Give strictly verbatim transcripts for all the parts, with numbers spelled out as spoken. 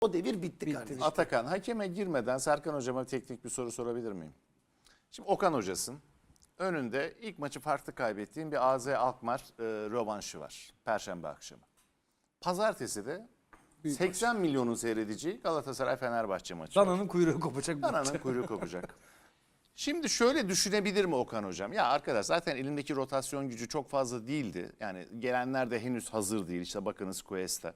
O devir bitti, Bitti. kardeşim. Atakan, hakeme girmeden Serkan Hocama teknik bir soru sorabilir miyim? Şimdi Okan Hocasın. Önünde ilk maçı farklı kaybettiğin bir A Z Alkmaar e, rövanşı var. Perşembe akşamı. Pazartesi de Büyük seksen milyonun seyredeceği Galatasaray-Fenerbahçe maçı. Dananın kuyruğu kopacak. bu Dananın maç. kuyruğu kopacak. Şimdi şöyle düşünebilir mi Okan Hocam? Ya arkadaş zaten elindeki rotasyon gücü çok fazla değildi. Yani gelenler de henüz hazır değil. İşte bakınız Cuesta.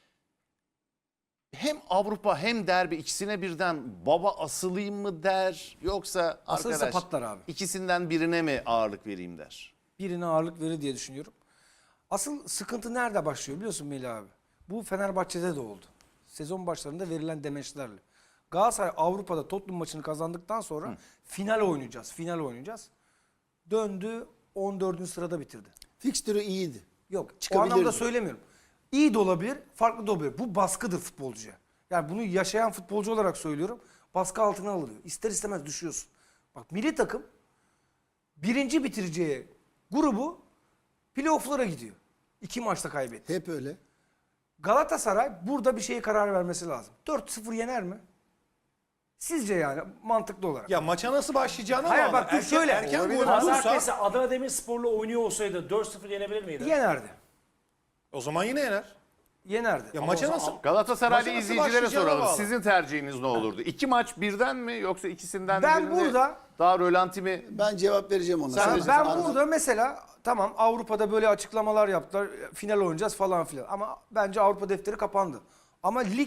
Hem Avrupa hem derbi ikisine birden baba asılayım mı der, yoksa Asılırsa arkadaş patlar abi. ikisinden birine mi ağırlık vereyim der. Birine ağırlık verir diye düşünüyorum. Asıl sıkıntı nerede başlıyor biliyorsun Melih abi? Bu Fenerbahçe'de de oldu. Sezon başlarında verilen demeçlerle. Galatasaray Avrupa'da Tottenham maçını kazandıktan sonra Hı. final oynayacağız. Final oynayacağız. Döndü on dördüncü sırada bitirdi. Fikstürü iyiydi. Yok o Çıkabilirdi. anlamda söylemiyorum. İyi de olabilir, farklı da olabilir. Bu baskıdır futbolcuya. Yani bunu yaşayan futbolcu olarak söylüyorum. Baskı altına alınıyor. İster istemez düşüyorsun. Bak milli takım birinci bitireceği grubu playoff'lara gidiyor. İki maçta kaybetti. Hep öyle. Galatasaray burada bir şeye karar vermesi lazım. dört sıfır yener mi? Sizce yani mantıklı olarak. Ya maça nasıl başlayacağını Hayır, ama bak dur erken, şöyle. erken Olabilir. gol olursa Pazartesi Adana Demirspor'la oynuyor olsaydı dört sıfır yenebilir miydi? Yenerdi. o zaman yine yener. Yenerdi. Ya Ama maça o zaman- nasıl? Galatasaraylı Maça nasıl izleyicilere başlayacağına soralım. bağlı. Sizin tercihiniz ne olurdu? İki maç birden mi yoksa ikisinden Ben birini burada- daha rölanti mi? Ben cevap vereceğim ona. Sen Sana. de- Ya ben Anladım. burada mesela tamam Avrupa'da böyle açıklamalar yaptılar. Final oynayacağız falan filan. Ama bence Avrupa defteri kapandı. Ama lig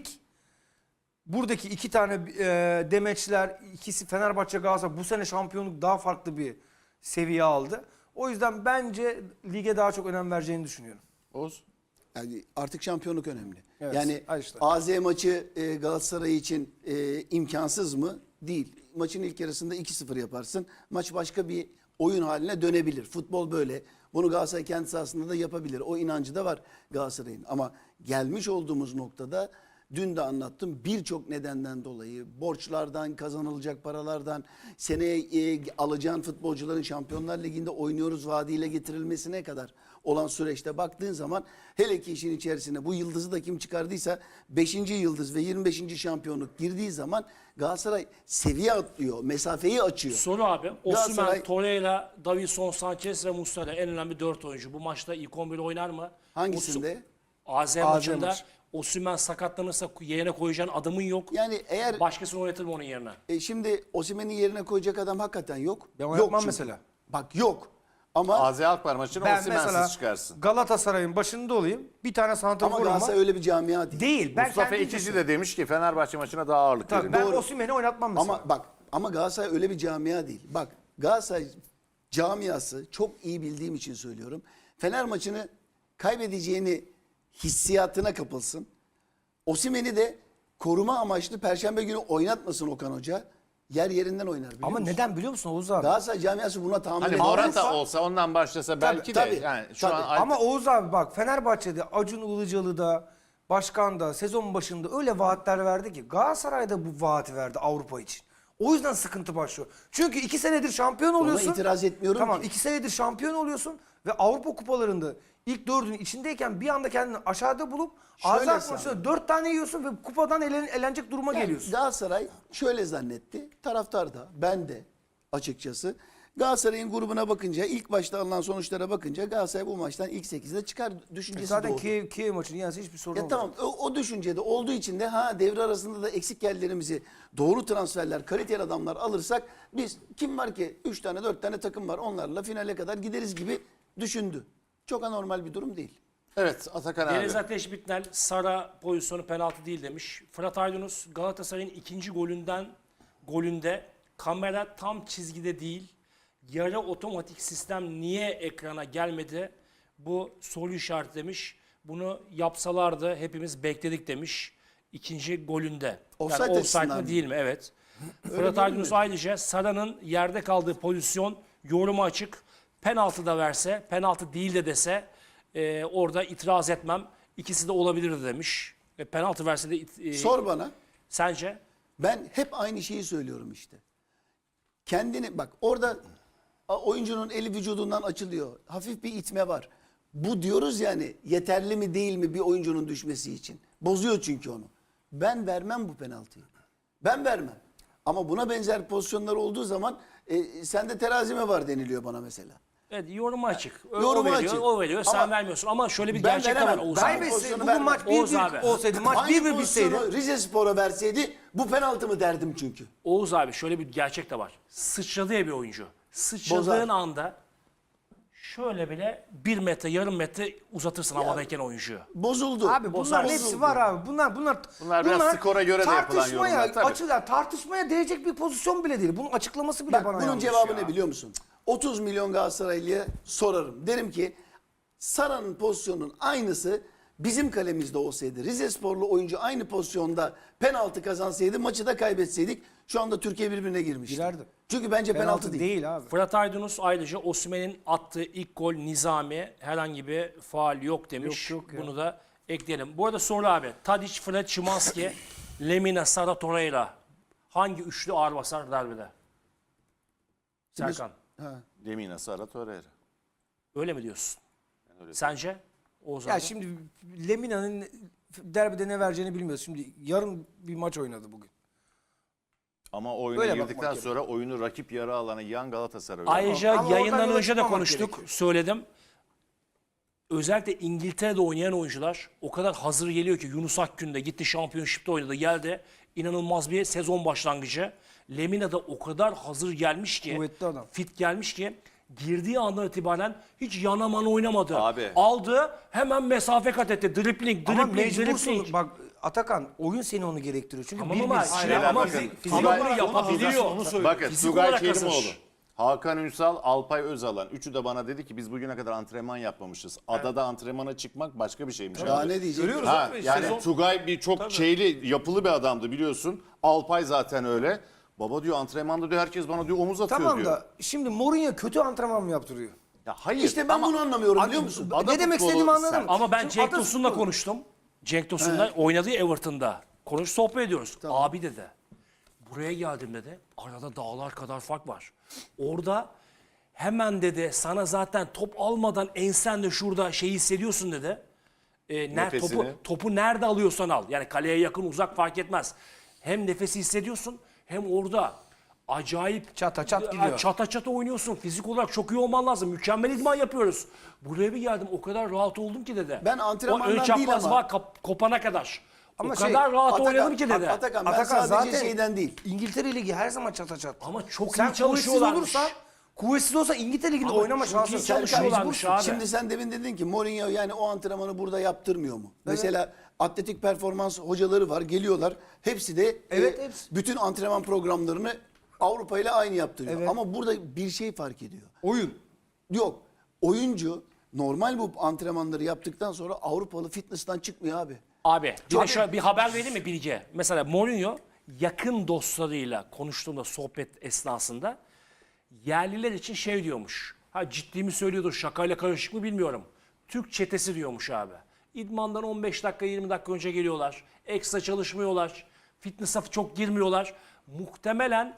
buradaki iki tane e, demeçler, ikisi Fenerbahçe Galatasaray bu sene şampiyonluk daha farklı bir seviye aldı. O yüzden bence lige daha çok önem vereceğini düşünüyorum. Oğuz. Yani artık şampiyonluk önemli. Evet, yani ha işte. A Z maçı e, Galatasaray için e, imkansız mı? Değil. Maçın ilk yarısında iki sıfır yaparsın. Maç başka bir oyun haline dönebilir. Futbol böyle. Bunu Galatasaray kendi sahasında da yapabilir. O inancı da var Galatasaray'ın. Ama gelmiş olduğumuz noktada dün de anlattım, birçok nedenden dolayı, borçlardan, kazanılacak paralardan, seneye e, alacağın futbolcuların Şampiyonlar Ligi'nde oynuyoruz vaadiyle getirilmesine kadar olan süreçte baktığın zaman, hele ki işin içerisine bu yıldızı da kim çıkardıysa beşinci yıldız ve yirmi beşinci şampiyonluk girdiği zaman Galatasaray seviye atlıyor, mesafeyi açıyor. Soru abi. Osimhen, Galatasaray- Torreira, Davinson, Sanchez ve Muslera en önemli dört oyuncu. Bu maçta ilk on bir oynar mı? Hangisinde? A Z A Z maçında maçı. Osimhen sakatlanırsa yerine koyacağın adamın yok. Yani eğer Başkasını oynatır mı onun yerine? e, şimdi Osimhen'i yerine koyacak adam hakikaten yok. Ben yok oynatmam çünkü. mesela. Bak yok. Ama A Z Alkmaar maçını Ben mesela Osimhen'siz çıkarsın. Galatasaray'ın başında olayım. Bir tane ama santraforum var. Galatasaray öyle bir camia değil. Değil. Ben Mustafa kendi İkici düşünüyorum. de demiş ki Fenerbahçe maçına daha ağırlık Tabii, verin. ben Doğru. Osimhen'i oynatmam mesela. Ama bak, ama Galatasaray öyle bir camia değil. Bak, Galatasaray camiası, çok iyi bildiğim için söylüyorum, Fener maçını kaybedeceğini hissiyatına kapılsın. Osimhen'i de koruma amaçlı Perşembe günü oynatmasın Okan Hoca. Yer yerinden oynar, biliyor Ama musun? neden biliyor musun Oğuz abi? Galatasaray camiası buna tahammül Hani edemez. Morata Avrupa- olsa ondan başlasa belki tabii, de yani şu tabii. an Ama Oğuz abi bak Fenerbahçe'de Acun Ilıcalı'da, başkan da sezon başında öyle vaatler verdi ki Galatasaray'da bu vaati verdi Avrupa için. O yüzden sıkıntı başlıyor. Çünkü iki senedir şampiyon oluyorsun. itiraz etmiyorum Tamam ki. iki senedir şampiyon oluyorsun ve Avrupa kupalarında ilk dördünün içindeyken bir anda kendini aşağıda bulup Şöyle Azak sen- maçında dört tane yiyorsun ve kupadan elen, elenecek duruma Yani geliyorsun. Galatasaray şöyle zannetti. Taraftar da, ben de açıkçası. Galatasaray'ın grubuna bakınca, ilk başta alınan sonuçlara bakınca Galatasaray bu maçtan ilk sekizde çıkar düşüncesi Zaten doğdu. Kiev, Kiev maçını yense hiçbir sorun Ya olmaz. tamam, o, o düşüncede olduğu için de ha devre arasında da eksik yerlerimizi, doğru transferler, kaliteli adamlar alırsak biz, kim var ki üç tane dört tane takım var, onlarla finale kadar gideriz gibi düşündü. Çok anormal bir durum değil. evet Atakan abi. Deniz Ateş Bitnel, Sara pozisyonu penaltı değil demiş. Fırat Aydınus, Galatasaray'ın ikinci golünden golünde kamera tam çizgide değil. Yarı otomatik sistem niye ekrana gelmedi? Bu soru işareti demiş. Bunu yapsalardı hepimiz bekledik demiş. İkinci golünde. Offside yani offside açısından mi mı? değil mi? Evet. Fırat görünmedi. Aydınus ayrıca Sara'nın yerde kaldığı pozisyon yoruma açık. Penaltı da verse, penaltı değil de dese e, orada itiraz etmem. İkisi de olabilirdi demiş. E, penaltı verse de it- e, Sor bana. sence? Ben hep aynı şeyi söylüyorum işte. Kendini bak, orada a, oyuncunun eli vücudundan açılıyor. Hafif bir itme var. Bu diyoruz yani, yeterli mi değil mi bir oyuncunun düşmesi için. Bozuyor çünkü onu. Ben vermem bu penaltıyı. Ben vermem. Ama buna benzer pozisyonlar olduğu zaman e, sende terazi mi var deniliyor bana mesela. Evet, yoruma açık. O, Yoruma o veriyor, açık. o veriyor, sen Ama vermiyorsun. Ama şöyle bir ben gerçek de var veremem. Oğuz Ben abi. pozisyonu Kaybetse bugün vermem. maç Oğuz bir abi. bir olsaydı, maç Aynı bir bir pozisyonu bitseydi. Rize Spor'a verseydi bu penaltı mı derdim çünkü. Oğuz abi şöyle bir gerçek de var. Sıçradı ya bir oyuncu. Sıçradığın Bozar. anda şöyle bile bir metre, yarım metre uzatırsın havadayken oyuncuyu. Bozuldu. Abi bunların Bozuldu. hepsi var abi. Bunlar bunlar Bunlar biraz skora göre de yapılan tartışmaya, yorumlar, tabii. açılar, tartışmaya değecek bir pozisyon bile değil. Bunun açıklaması bile Bak, bana bunun yanlış cevabı ya. ne biliyor musun? otuz milyon Galatasaraylı'ya sorarım. Derim ki Sara'nın pozisyonunun aynısı bizim kalemizde olsaydı, Rizesporlu oyuncu aynı pozisyonda penaltı kazansaydı, maçı da kaybetseydik şu anda Türkiye birbirine girmişti. Girerdi. Çünkü bence penaltı, değil. değil abi. Fırat Aydınus ayrıca Osimhen'in attığı ilk gol Nizami herhangi bir faal yok demiş. Yok, yok ya. Bunu da ekleyelim. Bu arada soru abi. Tadic, Fred, Szymanski, Lemina, Sara, Torreira. Hangi üçlü ağır basar derbide? Serkan. Lemina, Sara, Torreira. Öyle mi diyorsun? Sence? Oğuz Ya abi. şimdi Lemina'nın derbide ne vereceğini bilmiyoruz. Şimdi yarın bir maç oynadı bugün. Ama oyuna Öyle bakmak girdikten gerekiyor. sonra oyunu rakip yarı alana yiyen Galatasaray. Ayrıca Ama oradan yayından yola önce de çıkmamak konuştuk, gerekiyor. söyledim. Özellikle İngiltere'de oynayan oyuncular o kadar hazır geliyor ki Yunus Akgün de gitti Championship'te oynadı geldi. İnanılmaz bir sezon başlangıcı. Lemina da o kadar hazır gelmiş ki, Kuvvetli adam. fit gelmiş ki girdiği andan itibaren hiç yanaman oynamadı. Abi. Aldı hemen mesafe kat etti. Dribbling, Ama dribbling, mecbursun. dribbling. Bak Atakan oyun seni onu gerektiriyor. Çünkü Tamam bir ama, bir- şimdi Beyler ama bakın, fizik, fizik Tugay- olarak yapabiliyor. Bakın Fizik Tugay olarak hazır. Kerimoğlu, Hakan Ünsal, Alpay Özalan. Üçü de bana dedi ki biz bugüne kadar antrenman yapmamışız. Adada antrenmana çıkmak başka bir şeymiş. Daha abi. ne diyecek? Görüyoruz Ha, abi. yani Sezon- Tugay bir çok şeyli, yapılı bir adamdı biliyorsun. Alpay zaten öyle. Baba diyor antrenmanda diyor herkes bana diyor omuz atıyor Tamam diyor. da şimdi Mourinho kötü antrenman mı yaptırıyor? Ya hayır. İşte ben ama bunu anlamıyorum biliyor musun? Ada ne demek futbolu istediğimi anladım. sert. Ama ben Şimdi Cenk Atatürk Tosun'la bu. konuştum. Cenk Tosun'la oynadığı Everton'da. Konuş sohbet ediyoruz. Abi dedi. Buraya geldim dedi. Arada dağlar kadar fark var. Orada hemen dedi sana zaten top almadan ensen de şurada şey hissediyorsun dedi. E, ner, Nefesini. topu, topu nerede alıyorsan al. Yani kaleye yakın uzak fark etmez. Hem nefesi hissediyorsun hem orada acayip Çata çat Ya, gidiyor. Çata çata oynuyorsun. Fizik olarak çok iyi olman lazım. Mükemmel idman yapıyoruz. Buraya bir geldim o kadar rahat oldum ki dedi. Ben antrenmandan o ön değil çapraz ama- var kap- kopana kadar. Ama o şey, kadar rahat Atakan- oynadım ki dedi. Atakan ben Atakan sadece zaten şeyden değil. İngiltere Ligi her zaman çata çat. Ama çok Sen iyi çalışıyorlarmış. kuvvetsiz olursan, kuvvetsiz olsa İngiltere Ligi'nde Ama oynama çok şansı iyi yok. çalışıyorlarmış Mecbursun. abi. Şimdi sen demin dedin ki Mourinho yani o antrenmanı burada yaptırmıyor mu? Mesela atletik performans hocaları var geliyorlar. Hepsi de Evet, e, hepsi. bütün antrenman programlarını Avrupa ile aynı yaptırıyor. Evet. Ama burada bir şey fark ediyor. Oyun. Yok. Oyuncu normal bu antrenmanları yaptıktan sonra Avrupalı fitness'tan çıkmıyor abi. Abi bir, de Abi- şöyle bir haber vereyim mi Bilge? Mesela Mourinho yakın dostlarıyla konuştuğunda sohbet esnasında yerliler için şey diyormuş. Ha ciddi mi söylüyordur şakayla karışık mı bilmiyorum. Türk çetesi diyormuş abi. İdmandan on beş dakika yirmi dakika önce geliyorlar. Ekstra çalışmıyorlar. Fitness'a çok girmiyorlar. Muhtemelen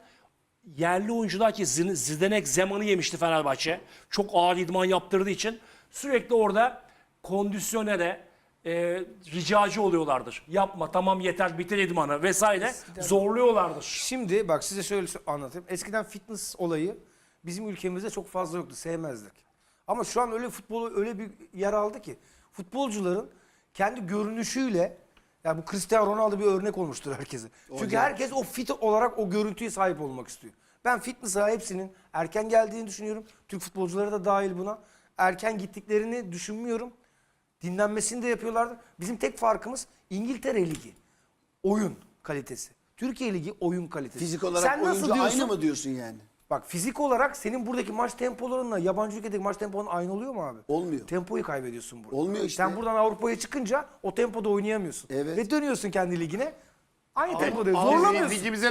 yerli oyuncular ki Zin- Zdenek Zeman'ı yemişti Fenerbahçe. Çok ağır idman yaptırdığı için sürekli orada kondisyonere e, ricacı oluyorlardır. Yapma tamam yeter bitir idmanı vesaire zorluyorlardır. Şimdi bak size şöyle sö- anlatayım. Eskiden fitness olayı bizim ülkemizde çok fazla yoktu. Sevmezdik. Ama şu an öyle futbolu öyle bir yer aldı ki futbolcuların kendi görünüşüyle yani bu Cristiano Ronaldo bir örnek olmuştur herkese. Çünkü herkes o fit olarak o görüntüye sahip olmak istiyor. Ben fitness'a hepsinin erken geldiğini düşünüyorum. Türk futbolcuları da dahil buna. Erken gittiklerini düşünmüyorum. Dinlenmesini de yapıyorlardı. Bizim tek farkımız İngiltere Ligi. Oyun kalitesi. Türkiye Ligi oyun kalitesi. Fizik olarak Sen nasıl oyuncu diyorsun? aynı mı diyorsun yani? Bak fizik olarak senin buradaki maç tempolarınla yabancı ülkedeki maç temponun aynı oluyor mu abi? Olmuyor. Tempoyu kaybediyorsun burada. Olmuyor işte. Sen buradan Avrupa'ya çıkınca o tempoda oynayamıyorsun. Evet. Ve dönüyorsun kendi ligine. Aynı tempoda Abi, zorlamıyorsun. ligimize